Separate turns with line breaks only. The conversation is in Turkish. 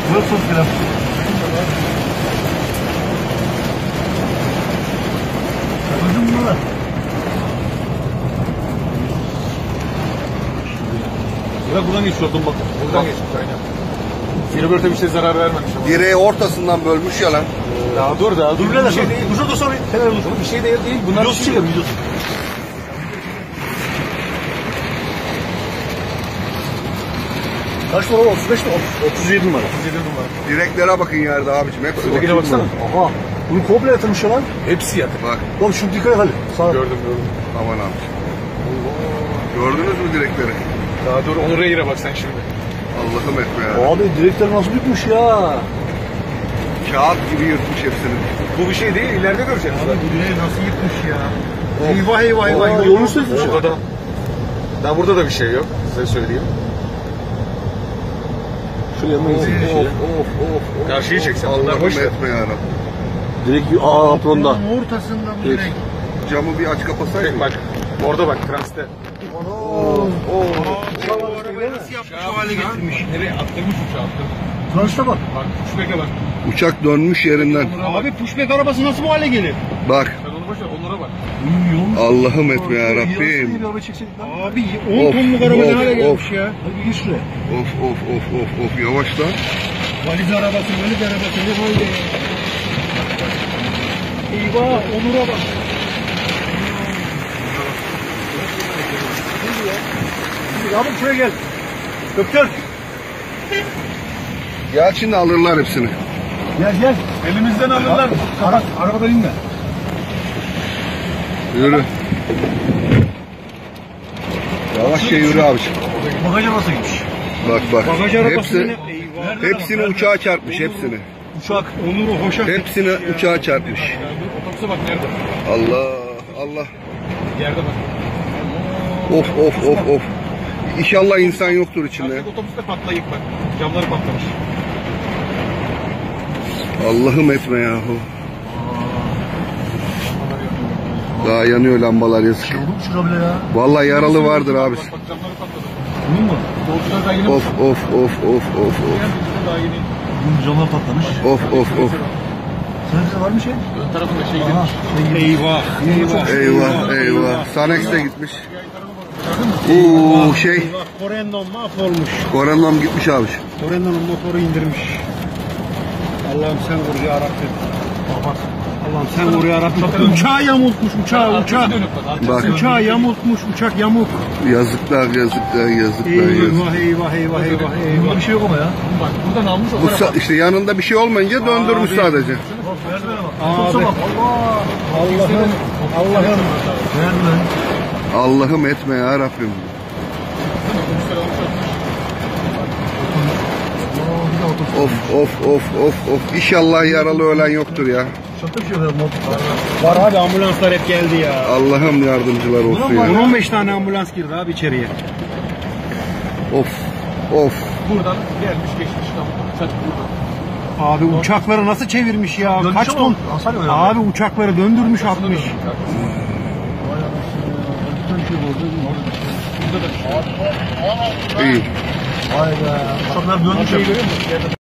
Buyursun filan. Gördün mü lan?
Buradan geçiyordum bak. Buradan geçmiş aynen. Filibörte bir şey zarar vermemiş ama.
Direği ortasından bölmüş ya lan.
Daha dur.
Dur
Bir şey değil.
Dur sonra. Kenara dur.
Bir şey değil. Bunlar bir şey değil.
Videosu. Kaç numara? 35 mi? 37 numara.
37 numara.
Direklere bakın yerde abicim. Hepsi
Ötekine
bak.
baksana.
Aha. Bunu komple yatırmış ya lan.
Hepsi yatık.
Bak.
Oğlum şunu dikkat et hadi. Sağ.
Gördüm.
Aman abicim. Gördünüz mü direkleri?
Daha dur. Onu reyre bak sen şimdi.
Allah'ım etme ya.
Abi direkler nasıl bitmiş ya?
Kağıt gibi yırtmış hepsini.
Bu bir şey değil. İleride göreceğiz.
Direği nasıl yıkmış ya?
Eyvah.
Yolunu sözmüş ya.
Burada da. Daha burada da bir şey yok. Size söyleyeyim.
Şuraya mı
Of.
Karşıyı çeksen. Onlar
Allah'ım
boş ver.
etme ya.
Direkt apronda.
Ortasında bu direkt.
Camı bir aç kapasaydın.
Bak. Orada bak. Transte.
Bu arabayı nasıl yapmış şu hale getirmiş.
Nereye attırmış uçağı attırmış.
Transta bak.
Bak. Pushback'e bak.
Uçak dönmüş yerinden.
Abi pushback arabası nasıl bu hale gelir?
Bak.
Sen onu boş ver. Onlara bak.
Allah'ım etme ya Rabbim.
Bir araba çekseydik lan.
Abi 10 tonluk araba ne hale gelmiş
of.
ya?
Hadi gir şuraya.
Of. Yavaş lan.
Valiz arabası ne halde ya? Eyvah Onur'a bak.
Abi şuraya gel. Doktor.
Gel şimdi alırlar hepsini.
Gel.
Elimizden alırlar.
Arabadan inme.
Yürü. Yavaşça yürü abiciğim.
Bagaja nasıl gitmiş?
Bak.
Bagaj arabası
Hepsi,
ne? Eyvah.
hepsini uçağa çarpmış hepsini.
Uçak.
Onur'u hoşaf.
Hepsini uçağa çarpmış.
Otobüse bak nerede?
Allah.
Yerde bak.
Of. İnşallah insan yoktur içinde.
Artık otobüste patlayıp bak. Camları patlamış.
Allah'ım etme yahu. Daha yanıyor lambalar yazık.
Şey oldu mu şurada bile ya?
Vallahi yaralı vardır abi.
Bak camları patladı.
Bunun mu?
Doğuşlar daha yeni.
Of.
Daha yeni.
Bunun camlar patlamış.
Of.
Senin var mı şey?
Ön tarafında şey
Aha.
gitmiş.
Eyvah. Sanex de gitmiş. Şey.
Eyvah Corendon mahvolmuş.
Koranlam gitmiş abi.
Corendon'un motoru indirmiş. Allah'ım sen vur ya Rabbim. Allah'ım sen vur ya Rabbim. Uçağı yamultmuş uçağı.
Bak.
Uçağı yamultmuş uçak yamuk.
Yazıklar.
Eyvah.
Bunda bir şey yok ama ya.
Bak buradan almış o tarafa.
İşte yanında bir şey olmayınca döndürmüş sadece.
Bak merdivene bak.
Abi.
Otobüse bak.
Allah'ım.
Merdiven.
Allah'ım etme ya Rabbim.
Bir de otobüs.
Of. İnşallah yaralı ölen yoktur ya.
Uçakta bir şey yok herhalde.
Var abi ambulanslar hep geldi ya.
Allah'ım yardımcılar olsun ya.
10-15 tane ambulans girdi abi içeriye.
Of.
Buradan gelmiş geçmiş tam. Sen buradan.
Abi uçakları nasıl çevirmiş ya?
Dönmüş
Kaç
ama
ton?
hasar yok yani.
Abi uçakları döndürmüş atmış.
Vay anasını ya. Bir şey oldu.
Burada da bir şey.
İyi.
Vay be. Uçaklar dönmüş.